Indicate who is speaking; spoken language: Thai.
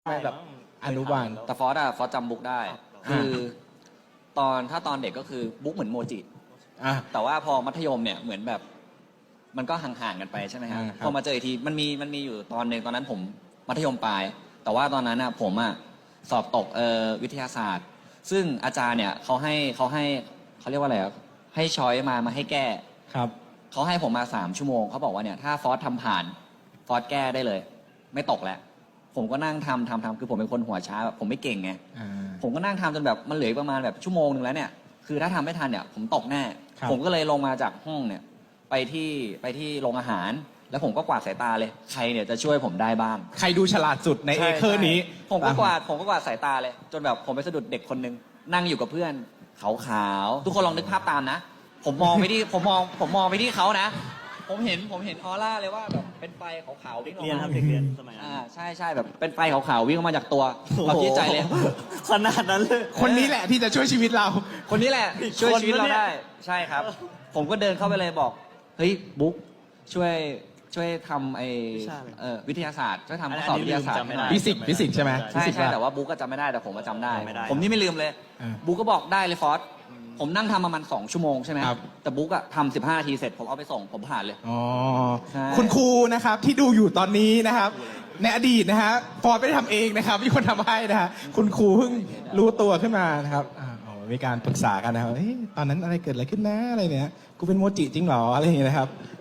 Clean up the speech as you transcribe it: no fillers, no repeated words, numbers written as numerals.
Speaker 1: ไม่แบบอนุบาล
Speaker 2: แต่ฟอสจำบุ๊กได้คือถ้าตอนเด็กก็คือบุ๊กเหมือนโมจิแต่ว่าพอมัธยมเนี่ยเหมือนแบบมันก็ห่างๆกันไปใช่ไหมครับพอมาเจออีกทีมันมีอยู่ตอนหนึ่งตอนนั้นผมมัธยมปลายแต่ว่าตอนนั้นผมสอบตกวิทยาศาสตร์ซึ่งอาจารย์เนี่ยเขาเรียกว่าอะไรให้ช้อยมาให้แก้
Speaker 1: ครับ
Speaker 2: เขาให้ผมมา3 ชั่วโมงเขาบอกว่าเนี่ยถ้าฟอสทำผ่านฟอสแก้ได้เลยไม่ตกแล้วผมก็นั่งทำคือผมเป็นคนหัวช้าแบบผมไม่เก่งไงผมก็นั่งทำจนแบบมันเหลือประมาณแบบชั่วโมงนึงแล้วเนี่ยคือถ้าทำไม่ทันเนี่ยผมตกแน่ผมก็เลยลงมาจากห้องเนี่ยไปที่โรงอาหารแล้วผมก็กวาดสายตาเลยใครเนี่ยจะช่วยผมได้บ้าง
Speaker 1: ใครดูฉลาดสุดในเอเคอร์นี้
Speaker 2: ผมก็กวาดสายตาเลยจนแบบผมไปสะดุดเด็กคนนึงนั่งอยู่กับเพื่อนขาวๆทุกคนลองนึกภาพตามนะผมมองไปที่เขานะผมเห็นออร่าเลยว่าแบบเป็นไฟขาวๆวิ่งออกมา
Speaker 3: เรียนครับเด็กเรียนสมัยนั้น
Speaker 2: ใช่แบบเป็นไฟขาวๆวิ่งออกมาจากตัวเราคิดใจเลย
Speaker 3: ขนาดนั้นเลย
Speaker 1: คนนี้แหละที่จะช่วยชีวิตเรา
Speaker 2: คนนี้แหละช่วยชีวิตเราได้ใช่ครับผมก็เดินเข้าไปเลยบอกเฮ้ยบุ๊กช่วยทำวิทยาศาสตร์ช่วยทำข้อสอบวิทยาศาสตร์
Speaker 1: ฟิสิกส์ใช่ไหม
Speaker 2: ใช่แต่ว่าบุ๊กก็จำไม่ได้แต่ผมก็จำได้ผมนี่ไม่ลืมเลยบุ๊กก็บอกได้เลยฟอสผมนั่งทำประมาณ2 ชั่วโมงใช่ไหมแต่บุ๊กทำ15 นาทีเสร็จผมเอาไปส่งผมผ่านเลย
Speaker 1: อ๋อคุณครูนะครับที่ดูอยู่ตอนนี้นะครับในอดีตนะฮะฟอร์ดไม่ได้ทำเองนะครับมีคนทำให้นะฮะคุณครูเพิ่งรู้ตัวขึ้นมานะครับมีการปรึกษากันนะครับตอนนั้นอะไรเกิดอะไรขึ้นนะอะไรเนี่ยกูเป็นโมจิจริงหรออะไรอย่างเงี้ยนะครับ